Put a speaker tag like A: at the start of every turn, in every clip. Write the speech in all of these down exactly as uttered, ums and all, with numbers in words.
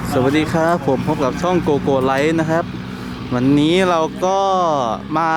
A: สวัสดีครับผมพบกับช่องโกโก้ไลท์นะครับวันนี้เราก็มา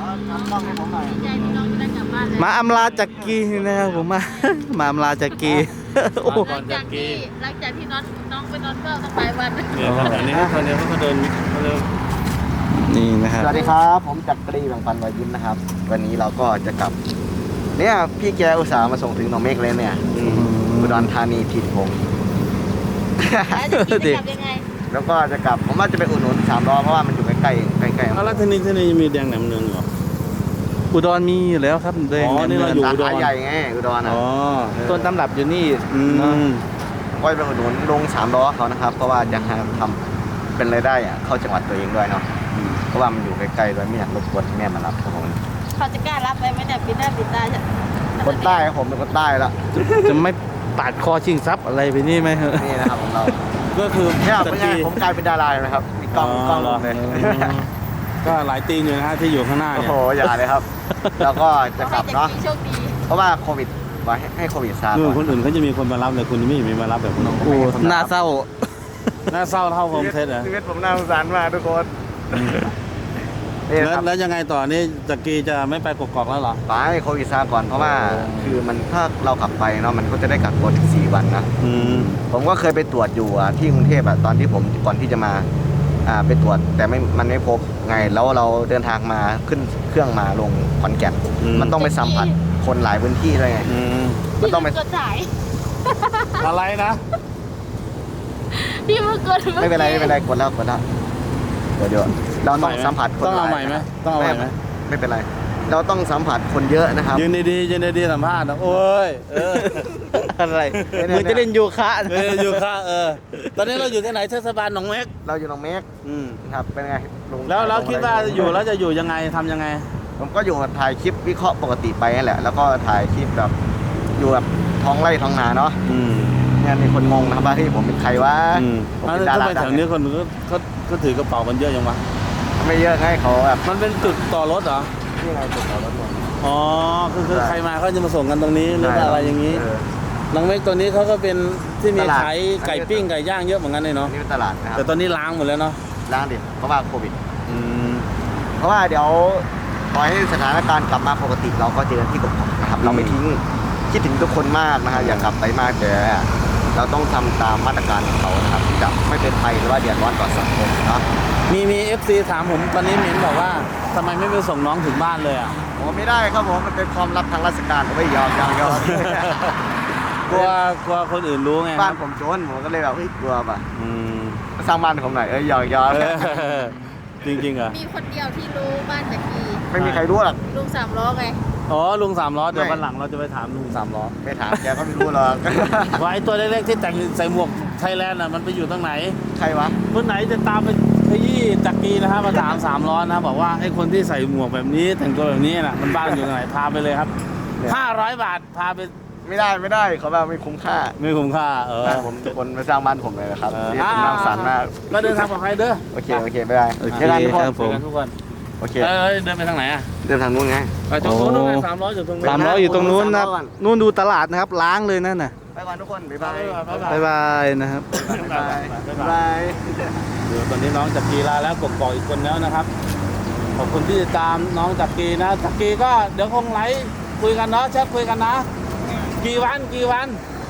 A: มาอำลาจักรีนะครับผมมามาอำลาจักรีโอ้
B: หลังจากที่หลังจากที่น้องน้องไปนอนเฝ้าตั้งหลายวันเนี่ยครับอันนี้คนเดียวเขาเดินเขาเดิน
A: นี่นะครับ
C: สวัสดีครับผมจักรีแบ่งปันรอยยิ้มนะครับวันนี้เราก็จะกลับเนี่ยพี่แกอุตส่าห์มาส่งถึงหนองเมฆเลยเนี่ยอุดรธานีถิ่นผม
B: แล้วจะกินจะกลับยังไง
C: แล้วก็จะกลับผมว่าจะไปอุดหนุนสามล้อเพราะว่ามันอยู่ใกล้ใกล้ใกล้ๆ
D: เอาแล้วที่นี่ที่นี่มีแดงแหนมเนืองเหรอ
A: อุดรมีอยู่แล้วครับเดง
D: อ๋อนี่เราอยู่
C: สาขาใหญ่ไงอุดรนะ
D: อ๋อ
A: ต้นตำรับอยู่นี่
D: อืม
C: ก็จะไปอุดหนุนลงสามล้อเขานะครับเพราะว่าจะทำเป็นรายได้อะเข้าจังหวัดตัวเองด้วยเนาะเพราะว่ามันอยู่ใกล้ๆด้วยไม่อยากรบกวนแม่มารับครับผม
B: เขาจะกล้ารับไปไหมเนี่ยปิดหน้าปิดตาจะ
C: คนใต้ครับผมเป็นคนใต้ละ
A: จะไม่ปาดคอชิงทรัพย์อะไรไปนี่ไหม
C: นี่นะครับของเรา
D: ก็คือ
C: เนี่ย
D: ตะ
C: เป็นไง
D: กี้
C: ผมกลายเป็นดาราเลยนะครับมีกล้องมีกล้อง
D: เหรอ
C: เลย
D: ก็หลายตีนอยู่นะฮะที่อยู่ข้างหน้า
C: โอ้
D: เนี่ย
C: โหอย่าเลยครับ แล้วก็จะกลับเนาะ
B: โชคดี
C: เพราะว่าโควิดไว้ให้โควิดซา
D: นู่
C: ก่อน
D: นคนอื่นเขาจะมีคนมารับแต่คุณไม่มีมารับแบบคุณน้อง
A: โอ้น่าเศร้า
D: น่าเศร้าเท่าโฮมเทสเหรอ
C: ชีวิตผมน่าสงสารมากทุกคนนี่
D: แล้ว
C: นะครับ
D: แล้วยังไงต่อนี่จักรีจะไม่ไปกกอกแล้วเหรอ
C: ไปโควิดซาก่อนเพราะว่าคือมันถ้าเรากลับไปเนาะมันก็จะได้กักตัวถึงสี่วันนะ
D: อืม
C: ผมก็เคยไปตรวจอยู่อะที่กรุงเทพอะตอนที่ผมก่อนที่จะมาอ่าไปตรวจแต่ไม่มันไม่พบไงแล้วเราเดินทางมาขึ้นเครื่องมาลงขอนแก่นมันต้องไปสัมผัสคนหลายพื้นที่เลยไง
D: อืม
C: มันต้องไป
B: กดสาย
D: อะไรนะ
B: พี่เมื่อกด
C: ไม่เป็นไรไม่เป็นไรกดแล้วกดแล้วเดี๋ยวเดี๋ยวเราต้องสัมผัสคน
D: ต้องเอา
C: ลย
D: ใหม่ไหมต้องเอาใหม่ไหม
C: ไม่เป็นไร เราต้องสัมผัสคนเยอะนะครับ
D: ยืนดีๆยืนดีๆสัมภาษณ์นะโอ้ยเออ
A: อะไร
C: เนี่ย
A: มึงจะเล่นโยคะนะ
D: เอออยู่ข้างเออตอนนี้เราอยู่ที่ไหนเทศบาลหนองเม็ก
C: เราอยู่หนองเมฆ
D: อืม
C: ครับเป็นไงลุง
D: แล้วเราคิดว่าอยู่แล้วจะอยู่ยังไงทำยังไง
C: ผมก็อยู่ถ่ายคลิปวิเคราะห์ปกติไปนั่นแหละ แล้วก็ถ่ายคลิปแบบอยู่แบบท้องไร่ท้องนาเนาะ
D: อืม
C: เนี่ยมีคนงงนะครับว่าที่ผมเป็นใครวะ
D: อืม
C: ผม
D: แล้ว
C: เป็นดา
D: ทำ
C: รา
D: ไม
C: ดั
D: แถ
C: ง
D: วนี้คนก็เขาก็ถือกระเป๋ากันเยอะยังวะ
C: ไม่เยอะให้เขาแบบ
D: มันเป็นจุดต่อรถเหรอ
C: ที่ไงจุดต่อรถหมด
D: อ๋อคือคือ
C: ใช่
D: ใครมาเขาจะมาส่งกันตรงนี้หรือว่าอะไรอย่างนี้
C: เออ
D: หนองเม็กตัวนี้เขาก็เป็นที่มี
C: ตลาด
D: ขายไก่ปิ้งไก่ย่างเยอะเหมือนกันเลย
C: อั
D: เนาะ
C: นนี้เป็นตลาดนะครับ
D: แต่ตอนนี้ล้างหมดแล้วเนาะ
C: ร้านดิเพราะว่าโควิด
D: อืม
C: เพราะว่าเดี๋ยวปล่อยให้สถานการณ์กลับมาปกติเราก็เจอกันที่กบๆนะครับ เราไม่ทิ้งคิดถึงทุกคนมากนะครับอยากกลับไปมากแต่เราต้องทำตามมาตรการของเขานะครับที่จะไม่เป็นภัยหรือว่าเดือดร้อนต่อสังคมเนาะ
D: มีมีเอฟซีถามผมตอนนี้เหม็นบอกว่าทำไมไม่ไปส่งน้องถึงบ้านเลยอ่ะ
C: ผมไม่ได้ครับผมมันเป็นความลับทางราชการผมไม่ยอมยอมยอม
D: กลัวกลัวคนอื่นรู้ไง
C: บ้านผมโจรผมก็เลยแบบเฮ้ยกลัวป่ะ
D: อืม
C: มาสร้างบ้านผมหน่อยเอ้ยยอมยอม
D: เออจริงๆเหรอ
B: มีคนเดียวที่รู้บ้านจากกี
C: ไม่มีใครรู้หรอก
B: ลุงสามล้อไง
D: อ๋อลุงสามล้อเดี๋ยว
C: ไม่
D: วันหลังเราจะไปถามลุงสามล้อ
C: ไม่ถามแกก็ไม่รู้หรอก
D: ว่าไอ้ตัวเล็กๆที่แต่งใส่หมวกไทยแลนด์น่ะมันไปอยู่ตรงไหน
C: ใครวะ
D: คนไหนจะตามไปขยี้จักรีนะฮะมาถามสามล้อนะบอกว่าไอ้คนที่ใส่หมวกแบบนี้แต่งตัวแบบนี้น่ะมันบ้านอยู่ตรงไหนพาไปเลยครับ
C: เนี่ย
D: ห้าร้อยบาทพาไป
C: ไม่ได้ไม่ได้เขาแบบไม่คุ้มค่า
D: ไม่คุ้มค่าเออ
C: บ้านผมคนมาสร้างบ้านผมเลยนะครับ
D: เออ
C: นี่ผมน่าสงสารมาก
D: ก็เดินทางปลอดภัยเด้อ
C: โอเคโอเคไม่ได้
A: โอเค
C: เจอกันทุกคน
A: ครับผม
D: เจอกันทุกคน
C: โอเค
D: เอ้ยเดินไปทางไหนอ่ะ
C: เดินทางนู้นไง
D: ไปตรงนู้นนู่นไงสามล้ออยู่ตรงนู้น
A: สามร้อยอยู่ตรงนู้นนะครับ
C: สามร้อยก่อน
A: นู่นดูตลาดนะครับล้างเลยนั่นน่ะ
C: ไปก่อนทุกคนบ๊ายบาย
A: บ๊ายบายนะครับ
C: บ๊ายบายบ๊ายบาย
D: เดี๋ยวตอนนี้น้องจักรีลาแล้วกกอกอีกคนแล้วนะครับขอบคุณที่ติดตามน้องจักรีนะจักรีก็เดี๋ยวคงไลฟ์คุยกันเนาะแชทคุยกันนะกี่วันกี่วัน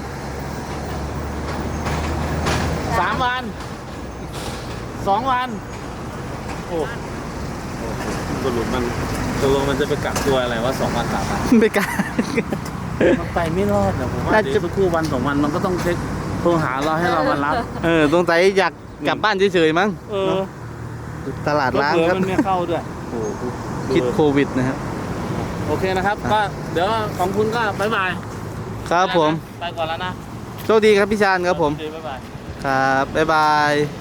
D: สามวันสองวันโอ้สรุปมันตกลงมันจะไปกักตัวอะไรวะสองวันสามวัน
A: ไม่กล้า
D: มันไปไม่รอดนะผมว่า
A: น่า
D: เดี๋
A: จะ
D: ยวสักครู่วันสองวันมันก็ต้องเช็คโทรหาเราให้เรามารับ
A: เออสงสัยอยากกลับบ้านเฉยๆมั้ง
D: เออ
A: ตลาดล้าง
D: เผื่อ
A: ครับ
D: มันไม่เข้าด้วย
A: โอ้โหคิดโควิดนะครับ
D: โอเคนะครับ ก็เดี๋ยวของคุณก็บ๊ายบาย
A: ครับผม
D: ไปก่อนแล้วนะ
A: โชคดีครับพี่ชาญครับผม
D: โอเบ๊ายบาย
A: ครับบ๊ายบาย